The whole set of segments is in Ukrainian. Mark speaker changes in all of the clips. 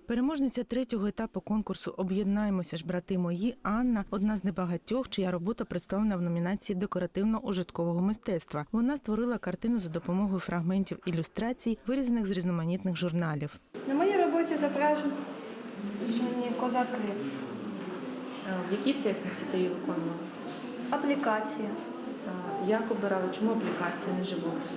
Speaker 1: Переможниця третього етапу конкурсу «Об'єднаємося ж, брати мої» Анна – одна з небагатьох, чия робота представлена в номінації декоративно-ужиткового мистецтва. Вона створила картину за допомогою фрагментів ілюстрацій, вирізаних з різноманітних журналів.
Speaker 2: На моїй роботі зображені козаки.
Speaker 3: В якій техніці ти її виконувала?
Speaker 2: Аплікації.
Speaker 3: Як обирали? Чому аплікація, не живопис?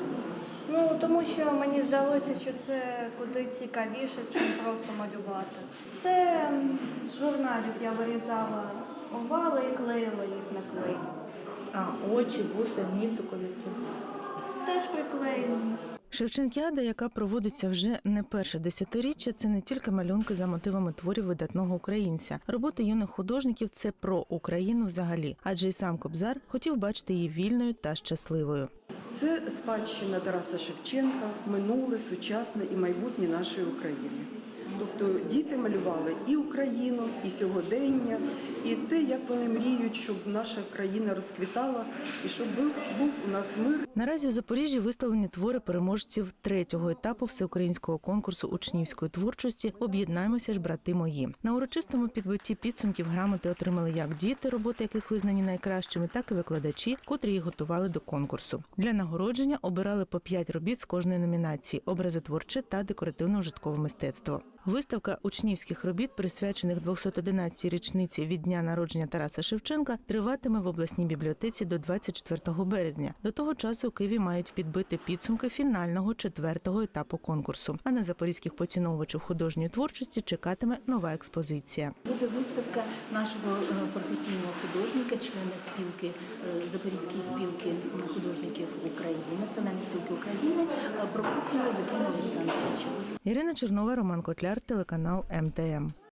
Speaker 2: Тому що мені здалося, що це куди цікавіше, ніж просто малювати. Це з журналів я вирізала овали і клеїла їх на клей.
Speaker 3: Очі, вуса, ніс у козаків?
Speaker 2: Теж приклеєні.
Speaker 1: Шевченкіада, яка проводиться вже не перше десятиріччя, це не тільки малюнки за мотивами творів видатного українця. Роботи юних художників – це про Україну взагалі, адже і сам Кобзар хотів бачити її вільною та щасливою.
Speaker 4: Це спадщина Тараса Шевченка, минуле, сучасне і майбутнє нашої України. Тобто діти малювали і Україну, і сьогодення, і те, як вони мріють, щоб наша країна розквітала, і щоб був у нас мир.
Speaker 1: Наразі у Запоріжжі виставлені твори переможців третього етапу всеукраїнського конкурсу учнівської творчості «Об'єднаємося ж, брати мої». На урочистому підбитті підсумків грамоти отримали як діти, роботи яких визнані найкращими, так і викладачі, котрі їх готували до конкурсу. Для нагородження обирали по 5 робіт з кожної номінації – образотворче та декоративно-ужиткове мистецтво. Виставка учнівських робіт, присвячених 211-й річниці від дня народження Тараса Шевченка, триватиме в обласній бібліотеці до 24 березня. До того часу у Києві мають підбити підсумки фінального 4-го етапу конкурсу. А на запорізьких поціновувачів художньої творчості чекатиме нова експозиція.
Speaker 5: Буде виставка нашого професійного художника, члена спілки Запорізької спілки художників України, Національної спілки України Прокоф'єва Вадима Олександровича.
Speaker 1: Ірина Чернова, Роман Котляр, телеканал МТМ.